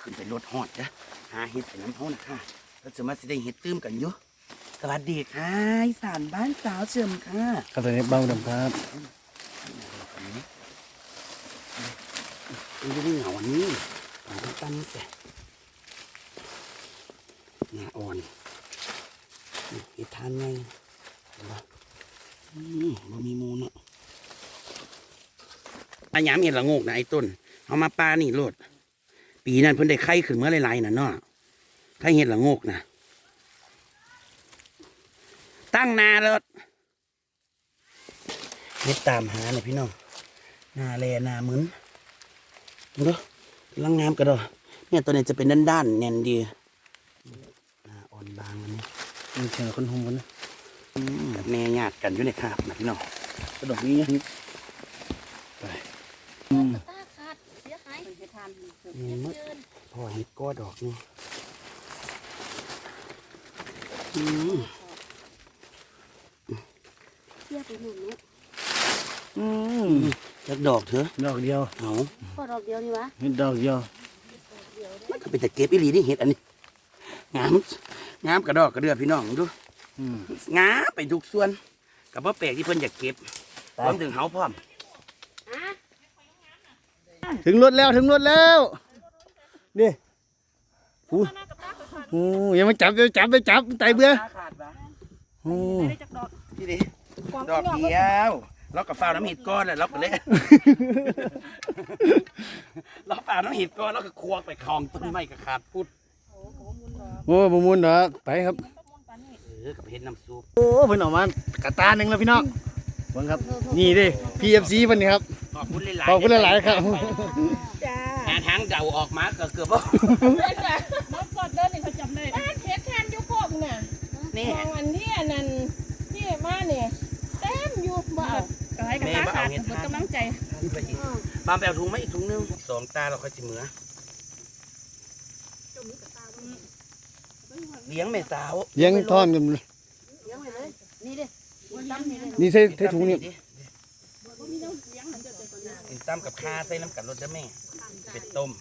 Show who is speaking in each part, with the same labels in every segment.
Speaker 1: ขึ้นไปรถหอดจ้ะหาเห็ดไปน้ำเขานะคะเราจะมาสิได้เห็ดตื้มกันอยู่สวัสดีค่ะอีสานบ้านสาวเฉิมค่ะ
Speaker 2: ครับตอนนี้เบ้าดำครับ
Speaker 1: มันจะได้เหงาอันนี้ผมต้องตั้งเสร็จหน้าอ่อนเห็ดทานไงเห็นปะมันมีมูลเนาะอันยามเห็ดละโงกนะไอ้ต้นเอามาปลานี่โลดปีนั้นเพิ่นได้ไข่ขึ้นเมื่อไรๆน่ะเนาะไข่เห็ดละโงกนะตั้งนาแล้วเห็ดตามหาเนี่ยพี่น้องนาแลนามึนดูลังงามกระโดดเนี่ยตัวนี้จะเป็นด้านๆแน่นดีนาอ่อนบางอันนี้
Speaker 2: มีเสียงคนหุ่มกันนะ
Speaker 1: แม่ญาติกันอยู่ในคาบนะพี่น้องกระโดดนี้ยังไป
Speaker 3: ตาขาดเสียหายไปทาน
Speaker 1: นี่มดพอเห็ดก้อดอกนี่
Speaker 3: เสียไปหนึ่งนุ๊ก
Speaker 1: จักดอกเถอะ
Speaker 2: ดอกเดียว
Speaker 1: เอา
Speaker 3: ก็ดอกเดียวนี่วะ
Speaker 2: เห็ดดอกเดียว
Speaker 1: มันก็เป็นแต่เก็บอีหลีนี่เห็ดอันนี้งามงามกระดอกกระเดือพี่น้องดูงามไปทุกส่วนกับว่าแปลกที่เพิ่นอยากเก็บพร้อมถึงเฮาพร้อม
Speaker 2: ถึงรถแล้วถึงรถแล้วนี่โอ้ยังไม่จับไปจับไตเบื่อ
Speaker 1: ขาดปะ
Speaker 2: โอ้
Speaker 1: พี่ดิดอกเดียวเรากับฟ้าน้ำเห็ดก้อนเลยเราก็เลยเราฟ้าน้ำเห็ดก้อนเราก็ควงไปคลองต้นไม้กับขาดพุด
Speaker 2: โอ้บมุนดอกไปครับ
Speaker 1: กับเห็ดน้ำซุป
Speaker 2: โอ้เพิ่นออกมากระตาหนึ่งแล้วพี่น้องฟังครับนี่ดิ PFC เพิ่นนี่ครับ
Speaker 1: ขอบคุณหลายๆ
Speaker 2: ขอบคุณหลายๆครับ
Speaker 3: จ้า
Speaker 1: หาทางเดาออกมาก็เกือบว่า
Speaker 4: น้องสดเดินนี่เขาจำได้บ้านเพชรแทนยุคโคกเนี่ย
Speaker 1: นี่
Speaker 4: มองอันที่อันนั้นที่มาเนี่ยเต็มอยู่บ่เอากระไรกระตาขาดหมดกำลังใจ
Speaker 1: ไปอีกบามแปลถุงไหมอีกถุงนึง2 ตาเราค่อยจิเหมือเลี้ยงแม่สาว
Speaker 2: เลี้ยงท่อนกัน
Speaker 3: เลี้ยงไว้เลยนี่ดิตั้มนี่เลย
Speaker 2: นี่ใส่ถุงนี่
Speaker 1: กินตั้มกับข้าใส่น้ำกัดรสได้แม่เป็ดต้ม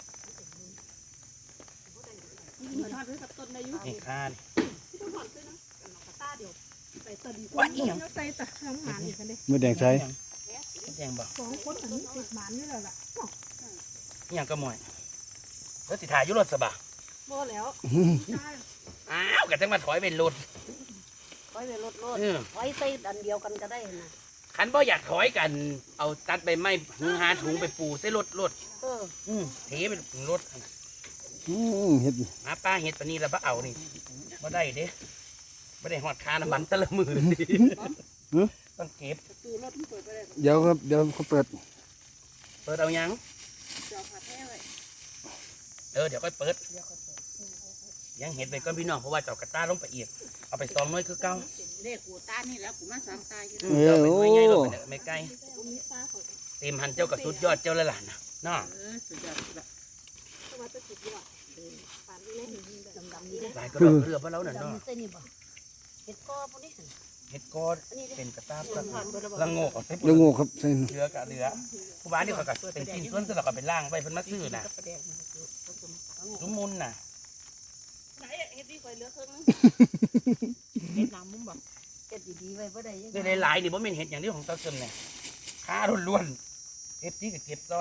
Speaker 1: นี่ข้านี่ว่าอีหยัง
Speaker 4: ใส่ตะน้ำหมันอีกกันดิ
Speaker 2: มือแดงใส่
Speaker 1: แดงบอก
Speaker 4: สองคนอันนี้ติดหมันนี่แหละล่ะ
Speaker 1: อีหยังก็มวยแล้วสิถ่ายอยุรถสบะ
Speaker 4: บ่แล้ว
Speaker 1: อ้าวกะจังมาถอยเป็นรถ
Speaker 3: ถอยไปรถ
Speaker 1: เออ
Speaker 3: ถอยใส่อันเดียวกันก็ได้นะ
Speaker 1: คันบ่อยากถอยกัน เอาตัดใบไม้หาถุงไปปูใส่รถ เทเป็นรถ
Speaker 2: เห็ด
Speaker 1: หาป้าเห็ดปานนี้แล้วบ่เอานี่บ่ได้เด้บ่ได้หอดคาน้ำมันแต่ละมือนี่ต้องเก็บ
Speaker 4: คือรถมันเปิดไปเลย
Speaker 2: เดี๋ยวครับเดี๋ยวเขาเปิด
Speaker 1: เปิดเอายัง
Speaker 4: เจ้าผัดแท้เลย
Speaker 1: เดี๋ยวค่อยเปิดยังเห็ดไปก่อนพี่น้องเพราะว่าเจ้ากระต้าลงไปอีกเอาไป2 หน่วยคือเก่า
Speaker 3: เลขกูตานี่แล้วกูมา3 ตาอยู่
Speaker 1: เจ้าไปหน่วยใหญ่ลงไปเนี่ยไม่ไกลเต็มหันเจ้ากับสุดยอดเจ้าแล้วล่ะนะเนาะ
Speaker 3: สุดยอดละสวัสดีสุดยอดปานนี้ดำๆนี่เด้
Speaker 1: หลายก็ดอกเรือเพราะเราเนี่ยเนาะ
Speaker 3: ดำใส่นี่บ่เฮ็ดกอพวกนี้
Speaker 1: เห็ดก้อน
Speaker 3: อันนี้
Speaker 1: เป็นกระต้า
Speaker 3: ผ่านไปแล้วบ่
Speaker 1: ละโงกเอาใส่
Speaker 2: แล้วงูครับใส่
Speaker 1: เรือกะเรือผู้บ้านนี่เขาก็เป็นชิ้นส่วนสลับกับเป็นล่างไว้เพิ่นมาซื้อน่ะทุกมุนน่ะ
Speaker 4: ไหนเฮ็ดดีกว่าเหลือครึ่งนึงเฮ็ดน้ำมุ้งบ่
Speaker 3: เฮ็ดดีๆไว้บ่ได้ยัง
Speaker 1: ได้หลายๆนี่บ่แม่นเห็ดอย่างที่ของเตาเสริมเนี่ยค้าล้วนๆเก็บที่ก็เก็บซอย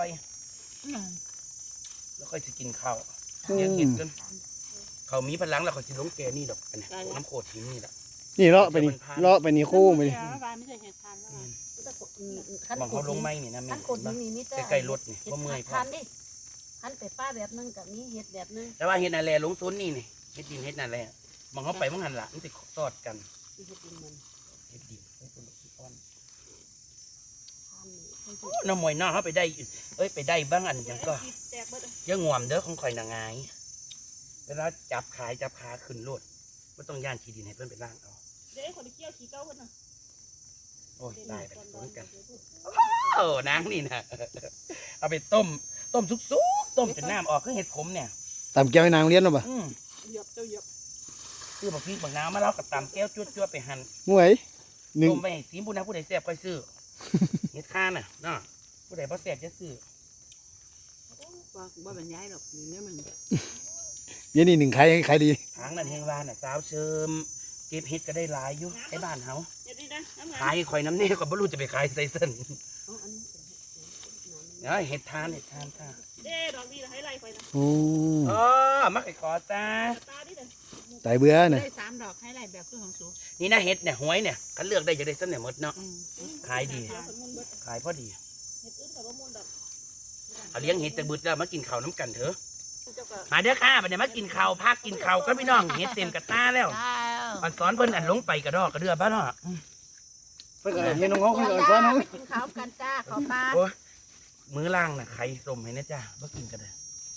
Speaker 1: แล้วค่อยสิกินข้าวเลี้ยงเห็ดจนเขามีพลังแล้วเขาสิลงแกนี่ดอกอันนี้น้ำโคตรหินนี่แหละ
Speaker 2: นี่เลาะไปนี่เลาะไปนี่คู่ไปนี่
Speaker 4: บ้านไม่ใช่เฮ็ดทานแล้ว
Speaker 1: มองเขาลงไม้นี่นะแม่
Speaker 3: คันกดนี่มีแต่
Speaker 1: ใกล้ๆรถนี่บ่เมื่อยพอ
Speaker 3: คันดิคันไปป้าแบบนึงกับนี้เฮ็ดแบบนึง
Speaker 1: แต่ว่าเห็ดนาแลลงซุนนี่นี่เห็ดดินเห็ดนาแลมองเขาไปมองหันหละมันสิสอดกัน
Speaker 3: ที่เฮ็ดดินมัน
Speaker 1: เห็ดดินเห็ดดินอ่อน
Speaker 3: คันนี่
Speaker 1: โอ้น้ำมวยน้าเขาไปได้ไปได้บ้างอันหยังก็
Speaker 4: แตกเบิด
Speaker 1: เยอะงวมเด้อของข่อยนางงายเวลาจับขาขึ้นรถไม่ต้องย่านขี้ดินให้เพื่อนไปล่างเอา
Speaker 4: เด้คนที่เกี่ยวขี้เก้าเพิ่นน่ะ
Speaker 1: โอ้ยตายไปสนกันโอ้นางนี่นะเอาไปต้มสุกต้มจนน้ำออกคือเห็ดขมเนี่ย
Speaker 2: ตามแก้วให้นางเลี้ยนหรอปะ
Speaker 4: เหยียบเจ้าเหยียบ
Speaker 1: คือบางทีบางน้ำมาแล้วกับตำแก้วจั่วไปหั่น
Speaker 2: มวยหนึ่ง
Speaker 1: ต้มไปให้สีบุญนะผู้ใดแซ่บค่อยซื้อ เห็ดข้าน่ะเนาะผู้ใดบ่แซ่บจะซื้อ
Speaker 3: ว่าบรรยายหรอกนี่เนี่ยมัน
Speaker 2: เดี๋ยวนี้หนึ่งใครดี
Speaker 1: ทางนั้นเฮงว่าน่ะสาวเสริมเก็บเห็ดก็ได้หลายอยู่ในบ้านเฮา
Speaker 4: เดี๋ยวดีนะน้ำงา
Speaker 1: ขายข่อยน้ำเน่ก็บ่รู้จะไปขายใส่เส้น
Speaker 3: อ๋ออันนี้
Speaker 1: เห็ดทานค่ะ
Speaker 4: เด้ดอกดีให้ไล่ไปนะ
Speaker 2: โอ้
Speaker 1: อ๋อมักไอ้ขอตา
Speaker 4: ตาดิเด้อ
Speaker 2: ตายเบื่อน่ะ
Speaker 3: ได้3 ดอกให้ไล่แบบคือของสู
Speaker 1: นี่นะเห็ดเนี่ยหวยเนี่ยคันเลือกได้จะได้เส้นเนี่ยหมดเนาะขายดี
Speaker 4: เดี๋ยวผลมุนเบิด
Speaker 1: ขายพอดี
Speaker 4: เห็ดอื่นกับว่ามุนดอก
Speaker 1: เอาเลี้ยงเห็ดแต่บึดแล้วมากินข้าวน้ำกันเถอะ
Speaker 4: เจ้าก็
Speaker 1: มาเด้อค่ะบัดนี้มากินข้าวพักกินข้าวก็พี่น้องเห็ดเต็มกระตาแล้วอันสอนเพิ่นอันลงไปกระดอกกระเดือบ้านเนาะ
Speaker 2: ไปก่อนเห็นน้องๆไปก่อนซ้อนน้อง
Speaker 3: กินข้าวกันจ้าขอปลา
Speaker 1: โอ้ยมื้อล่างน่ะไข่ต้มให้นะจ้าบ่กินกันได้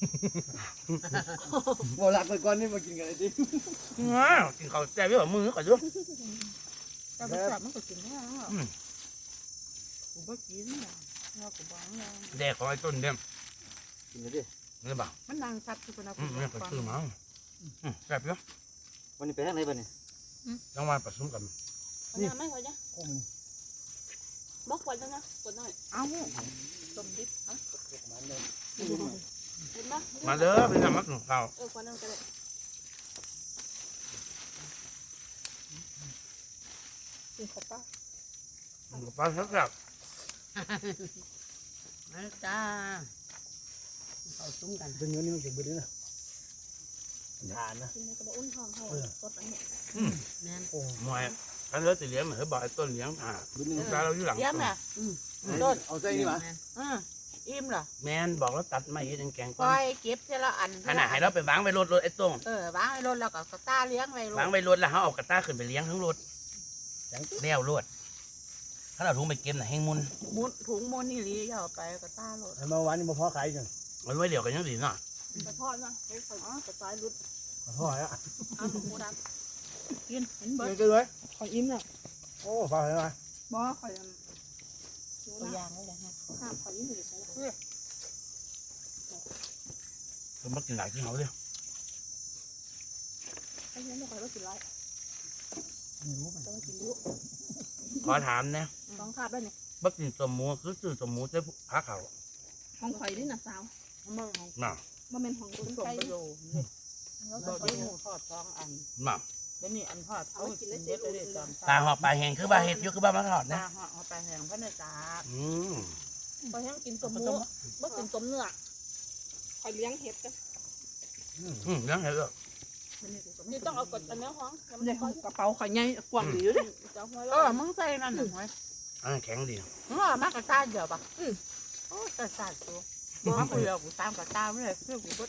Speaker 2: บ่หลักไปก่อนนี่มากินกันเลยดิ
Speaker 1: ว้าวกินข้าวแซ่บอยู่มือก่อนดู
Speaker 3: แต่บ่ชอบมันก็กินได้เนาะกูบ่กินน่ะเนาะกูบ่เอา
Speaker 1: แดกของไอ้ต้นเด้ม
Speaker 2: กินเลยดิ
Speaker 1: นี่บ่า
Speaker 3: มันนางซับคือคนเอา
Speaker 1: นี่ก็ซื้อมาแซ่บอยู่
Speaker 2: วันนี้ไปทางไหนบ้างเนี่ย
Speaker 1: ต้องมาผสมกัน
Speaker 4: ขอไม่ขอจ้ะ
Speaker 2: โอ้มัน
Speaker 4: บอกขวดแล้วนะขวดหน่อย
Speaker 3: เอา
Speaker 4: ต้มดิบฮะ
Speaker 2: มันเลย
Speaker 4: เห็นปะ
Speaker 1: มาเด้อไปทำมักหนูข้าว
Speaker 4: ขวดนึงก็ได้กินขอป้า
Speaker 1: ปลาแซ่บ
Speaker 3: มาจ้าเอาซุ้มกัน
Speaker 2: เป็นเงินนี่มันเก็บไปด้วยนะทานนะ
Speaker 4: กินในกระบอกอุ่นทองเขาสดอันนี้
Speaker 3: แม่น
Speaker 2: โอ้
Speaker 1: หน่วยคันเลือสิเลี้ยงเหมือนบอกไอ้ต้นเลี้ยงผ่า
Speaker 2: บุญนึง
Speaker 1: ปลาเราอยู่หลัง
Speaker 3: เยี่ยมน่ะ
Speaker 2: ต้นเอาใจนี่มา
Speaker 3: อิ่มเหรอ
Speaker 1: แม่นบอกแล้วตัดไม้เฮ็ดแกง
Speaker 3: ป
Speaker 1: ก่อ
Speaker 3: ล่อน ยเก็บทีละอัน
Speaker 1: ขนาดให้เราไปวางไว้รถไอ้ต้ง
Speaker 3: วางไว้รถแล้วก็ตาเลี้ยงไว้รถ
Speaker 1: วางไว้รถแล้วเขาเอากระต้าขึ้นไปเลี้ยงทั้งรถแล้วรถถ้าเราถุงไปเก็บน่ะแห้งมุน
Speaker 3: มุนถุงมุนนี่ลีเอาไปก็ตารถ
Speaker 2: เมื่อวานนี่มาพ่อขายกัน
Speaker 1: มันไว้เดี๋ยวกันยังดีเนาะ
Speaker 4: กระทอดนะเฮ้ยกระจายรุด
Speaker 2: พ่ออ่ะ
Speaker 4: เอาหมูดำ
Speaker 3: กินเห็นเบิ
Speaker 2: เงิ
Speaker 3: ด
Speaker 2: นกันเลย
Speaker 4: ขออิ่มน่ะ
Speaker 2: โอ้ฟังเลยมา
Speaker 4: บ่ขอย
Speaker 3: ตัวอย่างเลยฮะ
Speaker 4: ห้ามขออิ่มอยู่ใช่ไหม
Speaker 1: เพิ่นมากินหลายที่เขาเลย
Speaker 4: ไอ้เนี่ยไม่ค่อยว่ากินไร
Speaker 2: ไม่รู้มัน
Speaker 4: จะมากินยุ
Speaker 1: ขอถามนะ
Speaker 4: ต้องคาบได้เนี่ย
Speaker 1: บักกินสมหมูคือซื้อสมหมูใช้ผ้าขาว
Speaker 4: ห้องข่อยนี่น่ะสาว
Speaker 3: มึงของ
Speaker 1: น่ะ
Speaker 4: บ่แม่นห้องคน
Speaker 3: สม
Speaker 4: ไทย
Speaker 3: ประโยชน์นี่เราได้หมูทอด2 อัน
Speaker 1: น่ะ
Speaker 3: แล้วนี่อันทอดเอากินได้เลยตอน
Speaker 1: ปลาหอกปลาแห้งคือปลาเห็ดอยู่คือปลามาทอด
Speaker 3: ตา
Speaker 1: นะ
Speaker 3: ห่อเอาไปแห้งพระเนตา
Speaker 1: อืม
Speaker 4: พอแห้งกินต้มหมูบ่กินต้มเนื้อข่อยเลี้ยงเห็ดกัน
Speaker 1: เลี้ยงเห็ดเหรอ
Speaker 4: นี่ต้องเอากดอันนี้ห้อง
Speaker 3: เนี่ยกระเป๋าข่อยใหญ่กว้างดีอยู่ดิ
Speaker 4: จะห้อย
Speaker 3: มึงใส่นั่นหนึ่งไว้
Speaker 1: อันนั้นแข็งดี
Speaker 3: มากระตาเดียวปะโอ้กระตาตัวมาคุยกับกูตามกระตาไม่ได้คือกูก็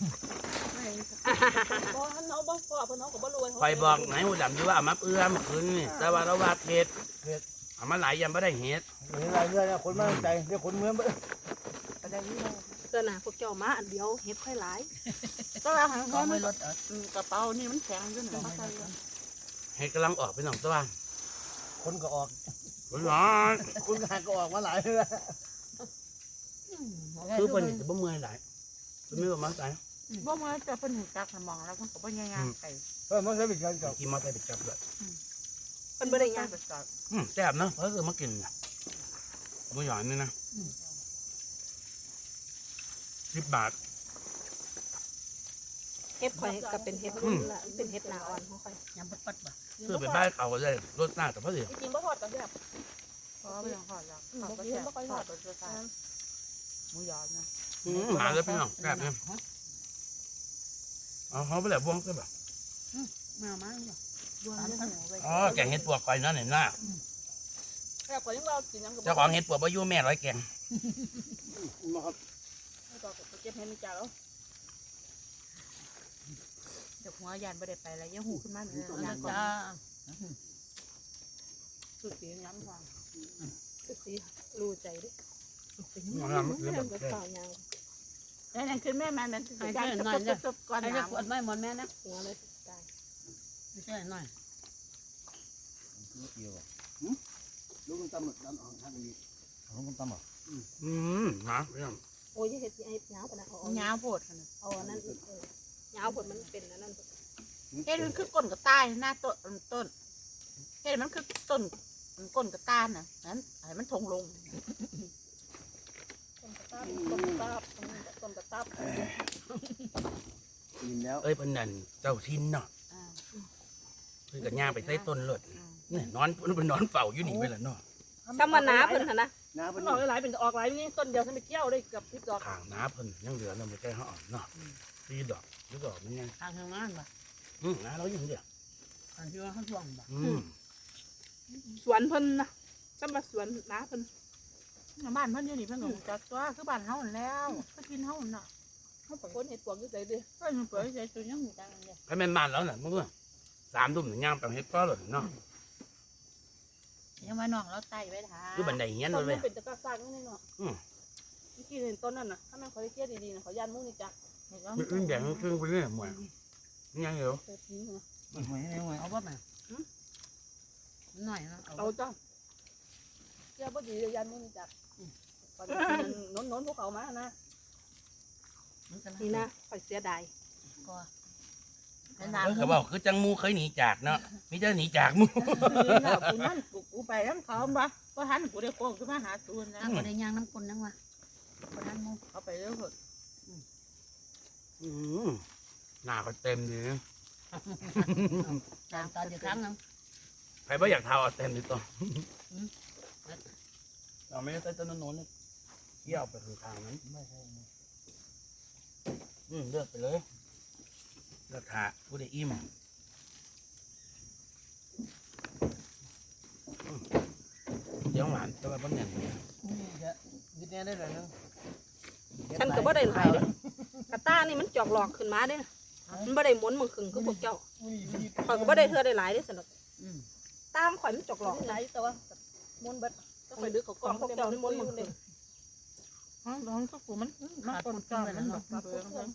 Speaker 4: บ่ทันเอาบ่พอเพิ่นเอาก็บ่รวย
Speaker 1: คอยบอกไหนหูดำอยู่ว่าเอามาเอื้อมคืนนี่แต่ว่าเราว่าเห็ดเอามาหลายยำไม่ได้เห็ด
Speaker 2: เห็นอะไรเรื่อยนะคนมาใจเรียกคนเมืองไป
Speaker 3: ก็ได้ยี่ห้อ
Speaker 4: เกินน่ะพวกเจ้ามาอันเดียวเห็ดค่อยหลาย
Speaker 3: ก็ว่าหางเขาไม่ลดกระเป๋านี่มันแข็งอยู่หน่อย
Speaker 1: เห็ดกำลังออกไปหนองตัว
Speaker 2: คนก็ออก
Speaker 1: ร้อน
Speaker 2: คนก็หาก็ออกมาหลายเลย
Speaker 1: คือเป็นจะบ่เมื่อยหลายเป็นไม่ประมาณไหน
Speaker 3: บ่มาจะเป็นหูจักสมองแล้วมันก็บ่ยังไงไป
Speaker 2: มันใช้เป็นการกับ
Speaker 1: กินมอเตอร์ไซค์ไปจับเลย
Speaker 4: เพิ่นบ่ได้งาน
Speaker 3: ไปจอด
Speaker 1: แซ่บเนาะเพราะคือมากินน่ะไม่หยอนนี่นะ10 บาท
Speaker 4: เห็ดข่อยก็เป็นเห็ดรุ่นละเป็นเห็ดหน้าอ่อนของข่อย
Speaker 3: ยำปัดบ่
Speaker 1: ซื้อไปบ้านเขาก็ได้รสหน้าแต่พอดี
Speaker 4: จริงๆบ่ทอดก็แบบ
Speaker 3: เพราะไม่ต้องทอดแล้วทอดก็แซ่บทอดก็จะทานหมูยอนะ
Speaker 1: หาแล้วพี่น้องแซ่บเนี่ยเอาเขาไปแบบวงใช่ปะ
Speaker 3: มามาดวงเรื่องหัวไป
Speaker 1: อ๋อแกงเห็ดปวกก่อยนั่นเห็นหน้า
Speaker 4: แบบข่อยยังเรากินยังก็บ่
Speaker 1: เจ้าของเห็ดปวกบ่อยู่แม่ร้อยแกง
Speaker 2: มาครับ
Speaker 4: ต่อก็เก็บเห็ดในจานแล้ว
Speaker 3: เดี๋ยวหัวยานไม่ได้ไปแล้วยังหูขึ้นมาเลยยานก่อน
Speaker 4: สุดสีน้ำฟังสุดสีรู้ใจดิ
Speaker 1: มาทำมันคือแบบ
Speaker 4: ก็ต่อยาว
Speaker 3: แล้วนั่นคือแม่มันนั่นคือการจบก่อน
Speaker 5: ไอ้
Speaker 3: น้
Speaker 5: ขวดไม่หมดแม่นะ
Speaker 4: หัวเลยตาย
Speaker 5: ไม่ใช่หน่อย
Speaker 2: ลูกมันตำหมดตำออกทางนี้ลูกมันตำหมด
Speaker 1: มาพี่น้อง
Speaker 4: โอ้ยเห็ดไอ้ยาวปะนะเอา
Speaker 3: ำยาวโพดขนาด
Speaker 4: เอานั่นยาวผลมันเป็นนั่น
Speaker 3: เฮ็ดมันคือก้นกับใต้หน้าต้นเฮ็ดมันคือก้นกับต้านน่ะนั้นให้มันทงลง
Speaker 4: คนกระต
Speaker 3: ต้มตับต้มตับ
Speaker 2: กินแล้ว
Speaker 1: เอ้ยเพิ่นนั่นเจ้าทินเนาะ
Speaker 5: อ่า
Speaker 1: เพิ่นก็ย่างไปใส่ต้นรถนี่นอนเพิ่นนอนเฝ้าอยู่นี่ไปละเนาะ
Speaker 4: ซ้ำมาน้าเพิ่นหั่นนะ
Speaker 2: น้า
Speaker 3: มั
Speaker 2: เพิ่
Speaker 3: น
Speaker 2: น
Speaker 3: ออกหลายเป็นออกหลายนี่ต้นเดียวฉันไปเกี่ยวได้เกือบ10 ดอก
Speaker 1: ข้างน้าเพิ่นยังเหลือแล้วบ่ใช่เฮาเนาะ4 ดอก10 ดอกมันยัง
Speaker 5: ทางทางนั้นบ่
Speaker 1: น้าเราอยู่เดียว
Speaker 5: ทางที่ว่าเขาช่วงบ่
Speaker 4: สวนเพิ่นนะซ้ำมาสวนน้าเพิ่น
Speaker 3: บ้านเพิ่นอยู่นี่เพิ่นก็จักตัวคือบ้านเฮาแล้วก็กินเฮาน่ะเฮาไปคนเฮ็ดปวกอยู่ไสดิเพิ่นเปิดใจตัวยังอยู่จังเลย
Speaker 1: ใครแม่นบ้านแล้วน่ะมึงว่า3 ทุ่มย่างไปเฮ็ดก็เลยเนาะ
Speaker 5: ยังว่าน้องเราไต่ไว้ท่า
Speaker 1: อยู่บันไดเฮียน
Speaker 3: ต้
Speaker 1: เล
Speaker 3: น
Speaker 1: ยเว้
Speaker 3: มั
Speaker 1: ย
Speaker 3: นเป็นตะกร้าซากนี่เนาะเมื่อกี้เห็นต้นนั่นน่ะถ้ามันขอได้เกี่ยวดีๆน่ะขอยันมุ้งนี่จัก
Speaker 1: มันอึ้งแดงครึ่งไปเรื่อยหมวยยังอยู่
Speaker 3: เปิดทิ้งนะ
Speaker 5: เอาบ่แม่หน่อยนะ
Speaker 3: เอาจ้าเกี่ยวบ่ดียันมุ้งนี่จักตอนนี้นนพวกเขามานะ
Speaker 4: นี่นะข่อยเสียดาย
Speaker 5: ก็เป็น
Speaker 1: เอ
Speaker 5: น้ำ
Speaker 1: อเขาบอกคือจังมูเคยหนีจากเนาะมีแต่หนีจากมู
Speaker 3: กูนั่นกูไปน้ำเขาบ่บ่ทันกูได้โค้งขึ้นมาหาตูนนะ
Speaker 5: น้ำก็ได้ย่างน้ำกลนนั่งวะคนนั้นมู
Speaker 3: เขาไปเรื่อย
Speaker 1: หน้าก็เต็มดีนะ
Speaker 5: จางตอนเดียวครั้งนึง
Speaker 1: ใครบ่อยากเท้าเอาเต็มดีตัวเราไม่ได้ใส่ต้นโน้นเลยเกี่ยวไปข้างๆนั้นเลือกไปเลยเลือกถาผู้ได้อิ่มเดี๋ยวหวานแต่ว่าบ่แน่นเนี่ย
Speaker 2: ยึดแน่ได้เลยนึง
Speaker 4: ฉันก็บ่ได้หลายเด้กระต้านี่มันจอกหลอกขึ้นมาเด้มันบ่ได้หมุนมึงขึงคือพวกเจ้าข่อยก็บ่ได้เทื่อได้หลายเด้สนุกตามข่อยมันจอกหลอก
Speaker 3: ไหนตัวม้วนเบ็ดต้องไปดึกเขากองพวกเจ้านี่ม้วนมึงเลยร้องก็กูมันมาปนกันมันแบบมาเบื่อกัน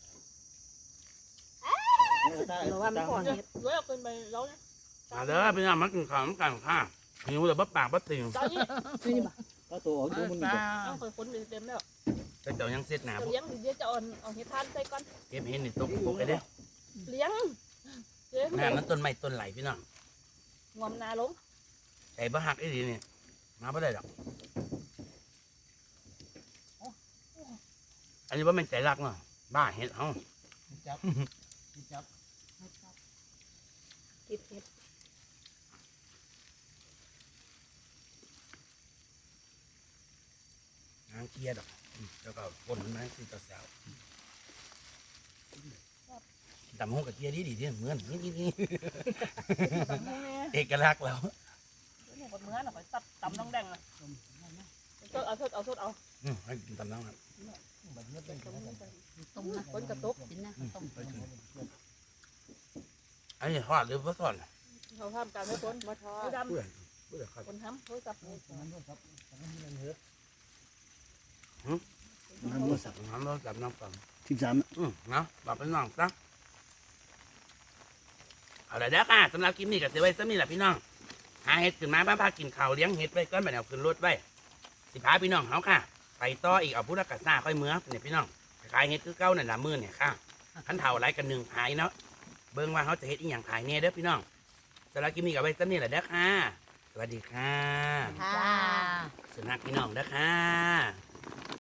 Speaker 4: หรือว่ามันห่อนเฮ็ด
Speaker 3: เว้ยขึ้นไปแล้วนะ
Speaker 1: มาเด้อพี่น้องมากินข้าวน้ำกันค่ะหิวแต่บ่ปากบ่ติ่ง
Speaker 3: ตอนนี้
Speaker 4: นี่บ่
Speaker 2: ก็ตัวของตัวมันนี่
Speaker 3: ต้องคอยค้นเต็มแล้ว
Speaker 1: แต่เจ้ายังเสร็จหนา
Speaker 3: จะ
Speaker 1: บ่
Speaker 3: เลี้ยงเดี๋ยวจะเอาเห็ดทานใส่ก่อน
Speaker 1: เก็บเห็นนี่ตกปกไอ้เด้อ
Speaker 3: เลี้ยงเลี้ยง
Speaker 1: หน้ามันต้นไม้ต้นไหลพี่น้อง
Speaker 3: งวมนาลง
Speaker 1: ใจบ่หักไอ้ดีนี่มาบ่ได้ดอกอันนี้ว่ามันใจรักเนาะบ้าเห็ดเฮา
Speaker 2: จับ
Speaker 4: กินเฮ็ด
Speaker 1: นางเกียดอกแล้วก็ปนมันมาสิตาสาวตำหงกับเกียดีดีที่เหมือนนี่เอกลักษณ์แล้ว
Speaker 3: เนี่ยคนเมื่อน่ะคอยตัดตำน้องแดงอ่ะเอาเอา
Speaker 1: ให้กินตำน้ำครับ
Speaker 5: ต้มนะ
Speaker 3: คนกระตุก
Speaker 5: กินนะต้ม
Speaker 1: อันนี้ทอดหรือว่าทอด
Speaker 3: เขาทำการให้คนมาทอด
Speaker 1: เพื่อนเพื่อนครับ
Speaker 3: คนทำเขาจับ
Speaker 1: น้ำมันสับน้ำเราจับน้ำฟัง
Speaker 2: 13
Speaker 1: เนาะบอกเป็นน้องจ้ะเอาละเด้อค่ะสำหรับคลิปนี้ก็เสียไว้สักนิดแหละพี่น้องหาเห็ดขึ้นมาบ้านพากินข้าวเลี้ยงเห็ดไว้ก้อนแบบเอาขึ้นรถไว้สิพาพี่น้องเขาค่ะไปต่ออีกเอาพุทธกัสซาค่อยเมื่อเนี่ยพี่น้องขายเห็ดคือเก้านั่นละมื้อเนี่ยค่ะขันเท่าไรกันหนึ่งขายเนาะเบิ่งว่าเขาจะเห็ดอีหยังขายเนี่ยเด้อพี่น้องสำหรับคลิปนี้ก็ไว้สักนิดแหละเด้อค่ะสวัสดีค่ะ
Speaker 5: จ้า
Speaker 1: สนักพี่น้องเด้อค่ะ